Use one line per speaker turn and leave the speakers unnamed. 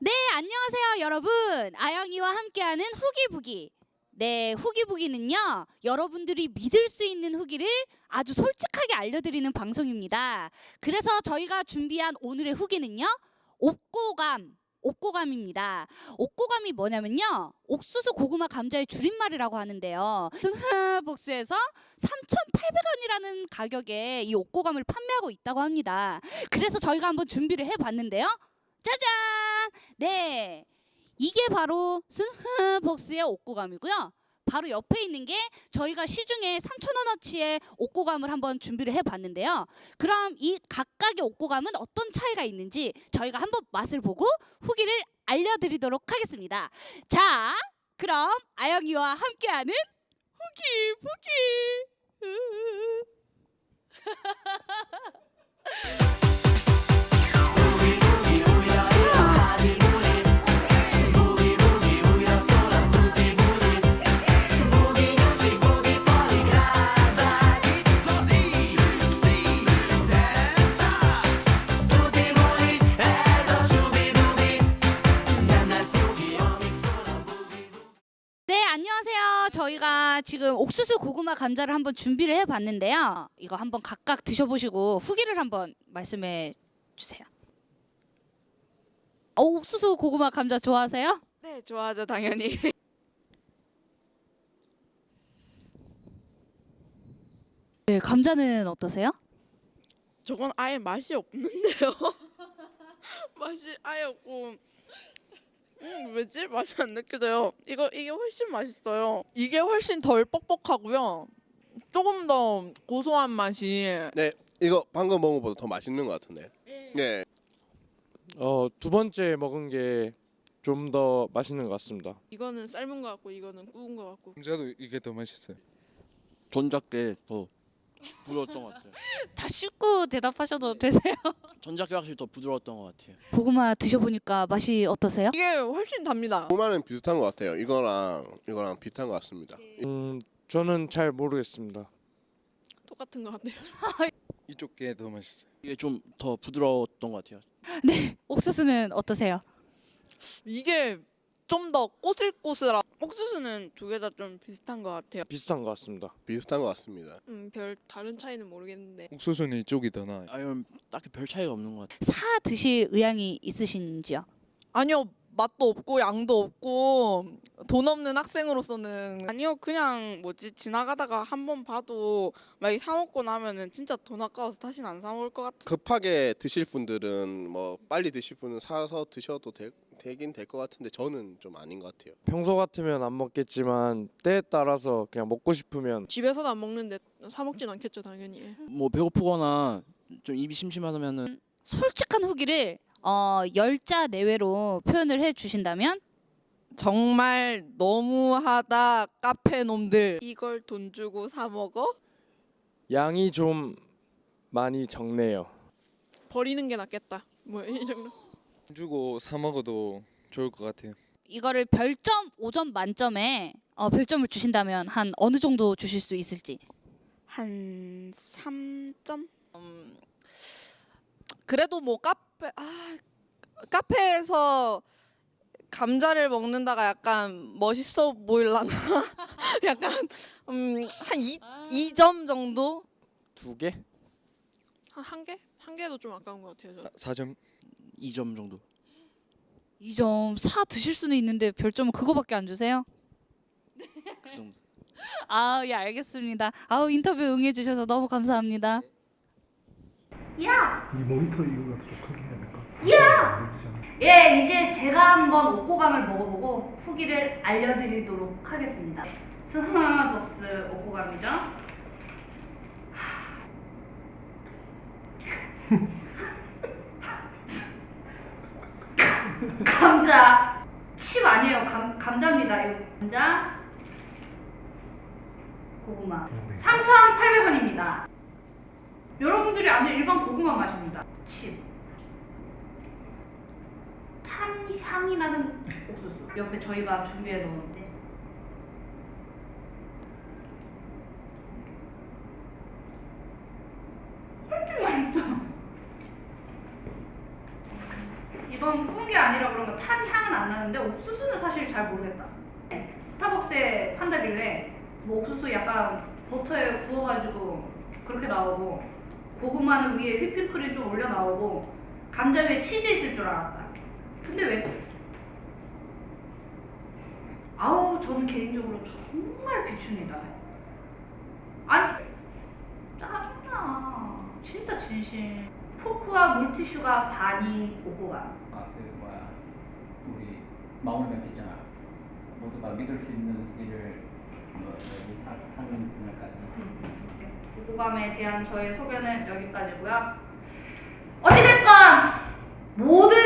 네, 안녕하세요, 여러분. 아영이와 함께하는 후기부기. 네, 후기부기는요, 여러분들이 믿을 수 있는 후기를 아주 솔직하게 알려드리는 방송입니다. 그래서 저희가 준비한 오늘의 후기는요, 옥고감입니다. 옥고감이 뭐냐면요, 옥수수 고구마 감자의 줄임말이라고 하는데요. 복수에서 3,800원이라는 가격에 이 옥고감을 판매하고 있다고 합니다. 그래서 저희가 한번 준비를 해봤는데요. 짜잔! 네, 이게 바로 스흐복스의 옥고감이고요. 바로 옆에 있는 게 저희가 시중에 3,000원어치의 옥고감을 한번 준비를 해봤는데요. 그럼 이 각각의 옥고감은 어떤 차이가 있는지 저희가 한번 맛을 보고 후기를 알려드리도록 하겠습니다. 자, 그럼 아영이와 함께하는 후기부기. 네, 안녕하세요. 저희가 지금 옥수수 고구마 감자를 한번 준비를 해봤는데요. 이거 한번 각각 드셔보시고 후기를 한번 말씀해 주세요. 옥수수 고구마 감자 좋아하세요?
네, 좋아하죠, 당연히.
네, 감자는 어떠세요?
저건 아예 맛이 없는데요. 맛이 아예 없고, 왜지? 맛이 안 느껴져요. 이게 훨씬 맛있어요.
이게 훨씬 덜 뻑뻑하고요. 조금 더 고소한 맛이.
네, 이거 방금 먹은 것보다 더 맛있는 것 같은데. 네.
두 번째 먹은 게 좀 더 맛있는 것 같습니다.
이거는 삶은 거 같고, 이거는 구운 거 같고.
감자도 이게 더 맛있어요.
전작게 더 부드러웠던 것 같아요.
다 씹고 대답하셔도 되세요?
전작게 확실히 더 부드러웠던 것 같아요.
고구마 드셔보니까 맛이 어떠세요?
이게 훨씬 답니다.
고구마는 비슷한 것 같아요. 이거랑 비슷한 것 같습니다.
저는 잘 모르겠습니다.
똑같은 거 같아요.
이쪽 게 더 맛있어요.
이게 좀 더 부드러웠던 것 같아요.
네, 옥수수는 어떠세요?
이게 좀 더 꼬슬꼬슬한.
옥수수는 두 개 다 좀 비슷한 거 같아요.
비슷한 것 같습니다.
비슷한 것 같습니다.
별 다른 차이는 모르겠는데.
옥수수는 이쪽이 더 나아요.
아니면 딱히 별 차이가 없는 것 같아요.
사 드실 의향이 있으신지요?
아니요, 맛도 없고 양도 없고 돈 없는 학생으로서는
아니요, 그냥 지나가다가 한 번 봐도 막 사 먹고 나면은 진짜 돈 아까워서 다시는 안 사 먹을 것 같아.
급하게 드실 분들은 뭐 빨리 드실 분은 사서 드셔도 되긴 될 것 같은데 저는 좀 아닌 것 같아요.
평소 같으면 안 먹겠지만 때에 따라서 그냥 먹고 싶으면
집에서도 안 먹는데 사 먹진 않겠죠, 당연히.
뭐 배고프거나 좀 입이 심심하면은
솔직한 후기를 10자 내외로 표현을 해주신다면?
정말 너무하다 카페 놈들.
이걸 돈 주고 사 먹어?
양이 좀 많이 적네요.
버리는 게 낫겠다. 뭐 이 정도.
돈 주고 사 먹어도 좋을 것 같아요.
이거를 별점 5점 만점에 별점을 주신다면 한 어느 정도 주실 수 있을지.
한 3점?
그래도 뭐 카페에서 감자를 먹는다가 약간 멋있어 보일라나? 약간 한 2점 정도?
2개?
한 개? 한 개도 좀 아까운 것 같아요. 저.
4점.
2점 정도.
2점 사 드실 수는 있는데 별점은 그거밖에 안 주세요?
그 정도.
예, 알겠습니다. 인터뷰 응해주셔서 너무 감사합니다.
이 모니터 이거가 더 크게 해야 될까?
예, 이제 제가 한번 옥고감을 먹어보고 후기를 알려드리도록 하겠습니다. 스마버스 옥고감이죠. 감자 칩 아니에요. 감자입니다. 이거 감자 고구마 3,800원입니다. 여러분들이 아는 일반 고구마 맛입니다. 칩 향이 나는 옥수수. 옆에 저희가 준비해 놓은데 훨씬 맛있어. 이건 구운 게 아니라 그런 거 탄
알았는데 옥수수는 사실 잘 모르겠다. 스타벅스에 판다길래 뭐 옥수수 약간 버터에 구워가지고 그렇게 나오고 고구마는 위에 휘핑크림 좀 올려 나오고 감자 위에 치즈 있을 줄 알았다. 근데 왜? 아우 저는 개인적으로 정말 비춘이다. 아니 짜증나. 진짜 진심. 포크와 물티슈가 반인 옥고감.
그 뭐야 우리 마무리 멘트 있잖아. 모두가 믿을 수 있는 일을 하는 분야까지.
옥고감에 대한 저의 소견은 여기까지고요. 어찌됐건 모든